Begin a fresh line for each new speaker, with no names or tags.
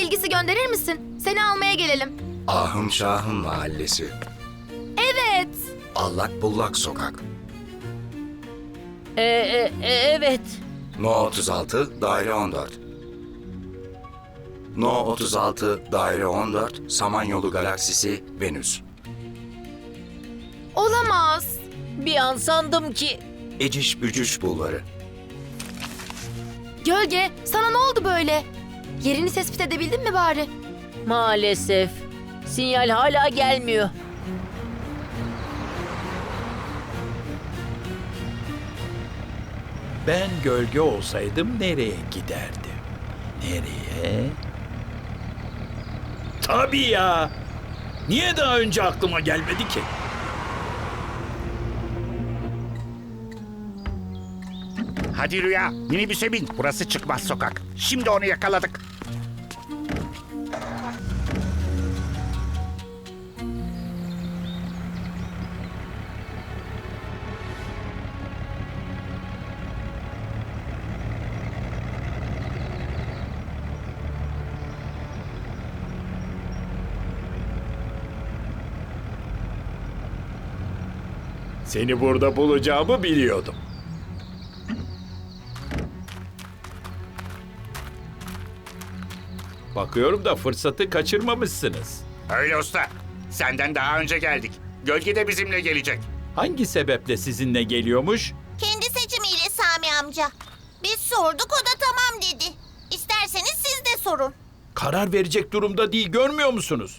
bilgisi gönderir misin? Seni almaya gelelim.
Ahım Şahım Mahallesi.
Evet.
Allak Bullak Sokak.
Evet.
No 36, daire 14. No 36, daire 14, Samanyolu Galaksisi, Venüs.
Olamaz.
Bir an sandım ki...
Eciş Bücüş Bulvarı.
Gölge, sana ne oldu böyle? Yerini tespit edebildin mi bari?
Maalesef. Sinyal hala gelmiyor.
Ben gölge olsaydım nereye giderdim? Nereye? Tabii ya. Niye daha önce aklıma gelmedi ki?
Hadi Rüya, minibüse bin. Burası çıkmaz sokak. Şimdi onu yakaladık.
Seni burada bulacağımı biliyordum. Bakıyorum da fırsatı kaçırmamışsınız.
Öyle usta. Senden daha önce geldik. Gölge de bizimle gelecek.
Hangi sebeple sizinle geliyormuş?
Kendi seçimiyle Sami amca. Biz sorduk, o da tamam dedi. İsterseniz siz de sorun.
Karar verecek durumda değil, görmüyor musunuz?